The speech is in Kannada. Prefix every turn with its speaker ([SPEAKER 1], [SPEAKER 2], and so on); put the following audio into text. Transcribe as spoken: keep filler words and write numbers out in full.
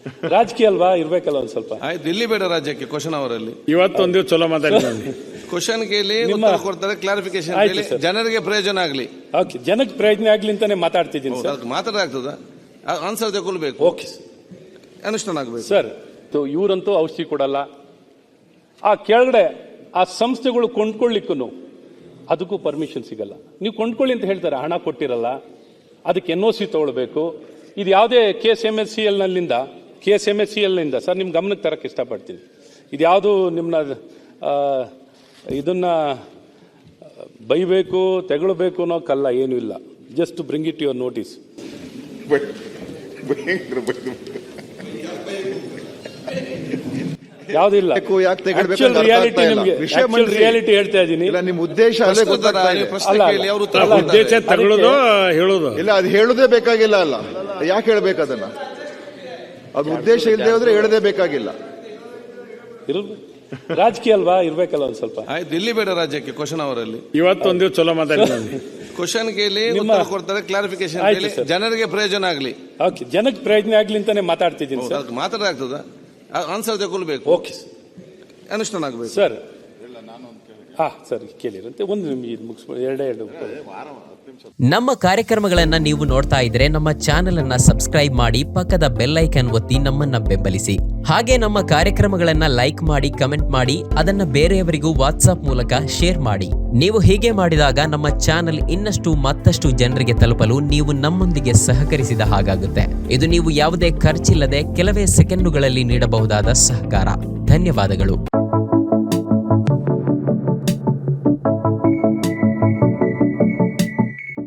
[SPEAKER 1] ರಾಜಕೀಯ ಅಲ್ವಾ, ಇರ್ಬೇಕಲ್ಲ ಒಂದ್ ಸ್ವಲ್ಪ.
[SPEAKER 2] ಆಯ್ತು, ಇಲ್ಲಿ ಬೇಡ ರಾಜ್ಯಕ್ಕೆ ಕ್ವಶನ್ ಅವರಲ್ಲಿ.
[SPEAKER 3] ಇವತ್ತೊಂದು ಚಲೋ ಮಾತಾಡಿದ್ವಿ.
[SPEAKER 2] ಕ್ವಶನ್ ಕೇಳಿ ಉತ್ತರ ಕೊಡ್ತಾರೆ, ಕ್ಲಾರಿಫಿಕೇಶನ್ ಕೇಳಿ, ಜನರಿಗೆ ಪ್ರಯೋಜನ ಆಗ್ಲಿ.
[SPEAKER 1] ಓಕೆ, ಜನಕ್ಕೆ ಪ್ರಯೋಜನ ಆಗ್ಲಿ ಅಂತಾನೆ ಮಾತಾಡ್ತಿದ್ದೀನಿ ಸರ್.
[SPEAKER 2] ಮಾತಾಡಾಗ್ತದ, ಆನ್ಸರ್ ತಗೊಳ್ಬೇಕು.
[SPEAKER 1] ಓಕೆ
[SPEAKER 2] ಅನುಷ್ಠಾನ ಆಗ್ಬೇಕು
[SPEAKER 1] ಸರ್. ಇವರಂತೂ ಔಷಧಿ ಕೊಡಲ್ಲ. ಆ ಕೆಳಗಡೆ ಆ ಸಂಸ್ಥೆಗಳು ಕೊಂಡ್ಕೊಳ್ಳಿಕ್ಕೂ ಅದಕ್ಕೂ ಪರ್ಮಿಷನ್ ಸಿಗಲ್ಲ. ನೀವು ಕೊಂಡ್ಕೊಳ್ಳಿ ಅಂತ ಹೇಳ್ತಾರೆ, ಹಣ ಕೊಟ್ಟಿರಲ್ಲ, ಅದಕ್ಕೆ ಎನ್ ಒ ಸಿ ತಗೊಳ್ಬೇಕು. ಇದು ಯಾವುದೇ K S M S C L ನಲ್ಲಿಂದ K S M S C ಎಲ್ನಿಂದ ಸರ್ ನಿಮ್ಮ ಗಮನಕ್ಕೆ ತರಕ್ಕೆ ಇಷ್ಟಪಡ್ತೀನಿ. ಇದು ಯಾವುದು ನಿಮ್ಮನ್ನ ಇದನ್ನ ಬೈಬೇಕು ತೆಗೊಳ್ಬೇಕು ಅನ್ನೋಕ್ಕಲ್ಲ, ಏನೂ ಇಲ್ಲ. Just bring it your notice. ಯಾವುದಿಲ್ಲ, ರಿಯಾಲಿಟಿ ನಿಮಗೆ ರಿಯಾಲಿಟಿ ಹೇಳ್ತಾ ಇದ್ದೀನಿ.
[SPEAKER 4] ನಿಮ್ಮ ಉದ್ದೇಶ
[SPEAKER 3] ಉದ್ದೇಶ ತಗೊಳ್ಳೋದು ಹೇಳೋದು
[SPEAKER 4] ಇಲ್ಲ, ಅದು ಹೇಳೋದೇ ಬೇಕಾಗಿಲ್ಲ ಅಲ್ಲ. ಯಾಕೆ ಹೇಳ್ಬೇಕು ಅದನ್ನ? ಅದು ಉದ್ದೇಶ ಇಲ್ಲದೆ ಹೋದ್ರೆ ಹೇಳದೇ ಬೇಕಾಗಿಲ್ಲ.
[SPEAKER 1] ರಾಜಕೀಯ ಅಲ್ವಾ, ಇರ್ಬೇಕಲ್ಲ ಒಂದ್ ಸ್ವಲ್ಪ.
[SPEAKER 2] ಆಯ್ತು, ಇಲ್ಲಿ ಬೇಡ ರಾಜ್ಯಕ್ಕೆ ಕ್ವಶನ್ ಅವರಲ್ಲಿ.
[SPEAKER 3] ಇವತ್ತೊಂದು ಚಲೋ ಮಾತಾಡಿದ್ವಿ.
[SPEAKER 2] ಕ್ವಶನ್ ಕೇಳಿ ಉತ್ತರ ಕೊಡ್ತಾರೆ, ಕ್ಲಾರಿಫಿಕೇಶನ್ ಕೇಳಿ, ಜನರಿಗೆ ಪ್ರಯೋಜನ ಆಗ್ಲಿ.
[SPEAKER 1] ಓಕೆ, ಜನಕ್ಕೆ ಪ್ರಯೋಜನ ಆಗ್ಲಿ ಅಂತಾನೆ ಮಾತಾಡ್ತಿದ್ದೀನಿ ಸರ್.
[SPEAKER 2] ಮಾತಾಡಾಗ್ತದ, ಆನ್ಸರ್ ತಗೊಳ್ಬೇಕು.
[SPEAKER 1] ಓಕೆ
[SPEAKER 2] ಅನುಷ್ಠಾನ ಆಗ್ಬೇಕು
[SPEAKER 1] ಸರ್. ಹಾ ಸರಿ, ಕೇಳಿರಂತೆ ಒಂದು ನಿಮಿಷ ಮುಗಿಸ್ಬೋದು, ಎರಡೇ ಎರಡು.
[SPEAKER 5] ನಮ್ಮ ಕಾರ್ಯಕ್ರಮಗಳನ್ನ ನೀವು ನೋಡ್ತಾ ಇದ್ರೆ ನಮ್ಮ ಚಾನೆಲ್ ಅನ್ನ ಸಬ್ಸ್ಕ್ರೈಬ್ ಮಾಡಿ, ಪಕ್ಕದ ಬೆಲ್ ಐಕಾನ್ ಒತ್ತಿ ನಮ್ಮನ್ನ ಬೆಂಬಲಿಸಿ. ಹಾಗೆ ನಮ್ಮ ಕಾರ್ಯಕ್ರಮಗಳನ್ನ ಲೈಕ್ ಮಾಡಿ, ಕಮೆಂಟ್ ಮಾಡಿ, ಅದನ್ನ ಬೇರೆಯವರಿಗೂ ವಾಟ್ಸ್ಆಪ್ ಮೂಲಕ ಶೇರ್ ಮಾಡಿ. ನೀವು ಹೀಗೆ ಮಾಡಿದಾಗ ನಮ್ಮ ಚಾನೆಲ್ ಇನ್ನಷ್ಟು ಮತ್ತಷ್ಟು ಜನರಿಗೆ ತಲುಪಲು ನೀವು ನಮ್ಮೊಂದಿಗೆ ಸಹಕರಿಸಿದ ಹಾಗಾಗುತ್ತೆ. ಇದು ನೀವು ಯಾವುದೇ ಖರ್ಚಿಲ್ಲದೆ ಕೆಲವೇ ಸೆಕೆಂಡುಗಳಲ್ಲಿ ನೀಡಬಹುದಾದ ಸಹಕಾರ. ಧನ್ಯವಾದಗಳು.